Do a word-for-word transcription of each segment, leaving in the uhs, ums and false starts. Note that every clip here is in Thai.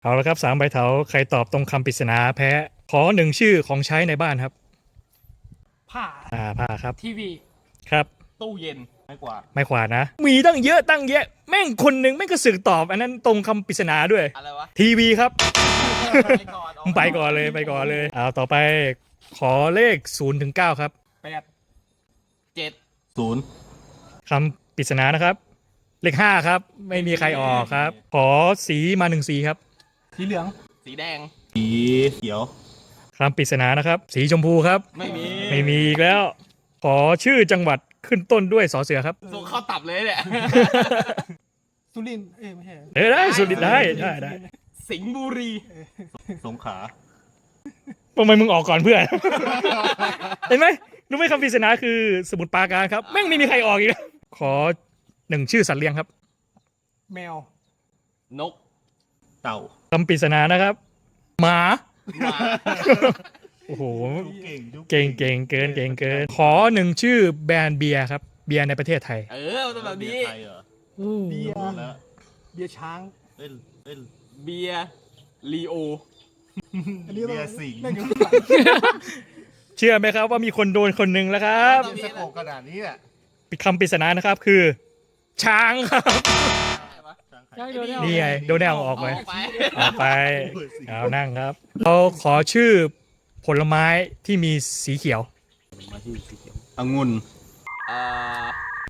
เอาละครับสามใบเถาใครตอบตรงคำปริศนาแพ้ขอหนึ่งชื่อของใช้ในบ้านครับผ้าอ่าผ้าครับทีวีครับตู้เย็นไม่กว่าดไม่ขวาดนะ มีตั้งเยอะตั้งแยะแม่งคนหนึ่งแม่งก็สึกตอบอันนั้นตรงคำปริศนาด้วยอะไรวะทีวีครับไปก่อนไปก่อนเลยไปก่อนเลยเอาต่อไปขอเลขศูนย์ถึงเก้าครับแปดเจ็ดศูนย์คำปริศนานะครับ เลขห้าครับ ไม่มีใครออกครับ ขอสีมาหนึ่งสีครับสีเหลืองสีแดงสีเขียวคำปริศนานะครับ สีชมพูครับไม่มีไม่มีอีกแล้ว ขอชื่อจังหวัดขึ้นต้นด้วยสอเสือครับส่งเข้าตับเลยเนี่ยสุรินทร์เอ้ยไม่ใช่เออได้สุดได้ได้ได้สิงห์บุรีสงขลาทำไมมึงออกก่อนเพื่อน เห็นไหมรู้ไหมคำปริศนาคือสมุทรปราการครับแม่งไม่มีใครออกอีกแล้วขอหนึ่งชื่อสัตว์เลี้ยงครับแมวนกเต่าคำปริศนานะครับ หมาหมาโอ้โหยุเก่งยุเก่งเก่งเกินเก่งเกิน ขอหนึ่งชื่อแบรนด์เบียร์ครับเบียร์ในประเทศไทยเออมันต้องแบบนี้ไทยเหรอเบียร์รู้แล้วเบียร์ช้างเล่นเล่นเบียร์ลีโออันนี้เบียร์สิงห์แม่งอยู่เชื่อไหมครับว่ามีคนโดนคนหนึ่งแล้วครับเล่นสโคปขนาดนี้แหละคำปริศนานะครับคือ ช้างครับใช่โดนแนวนี่ไงโดนแนวออกไปออกไปออกไปเอานั่งครับเราขอชื่อผลไม้ที่มีสีเขียวมาที่สีเขียวองุ่นเอ่อ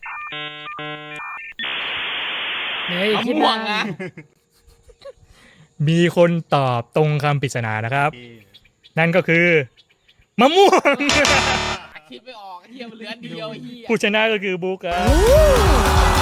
เฮ้ยมะคิดม่วนาง นนะมีคนตอบตรงคำปริศนานะครับเอนั่นก็คือมะม่วงคิดไม่ออกเฮียมันเหลืออันเดียวเฮียผู้ชนะก็คือบุ๊กครับ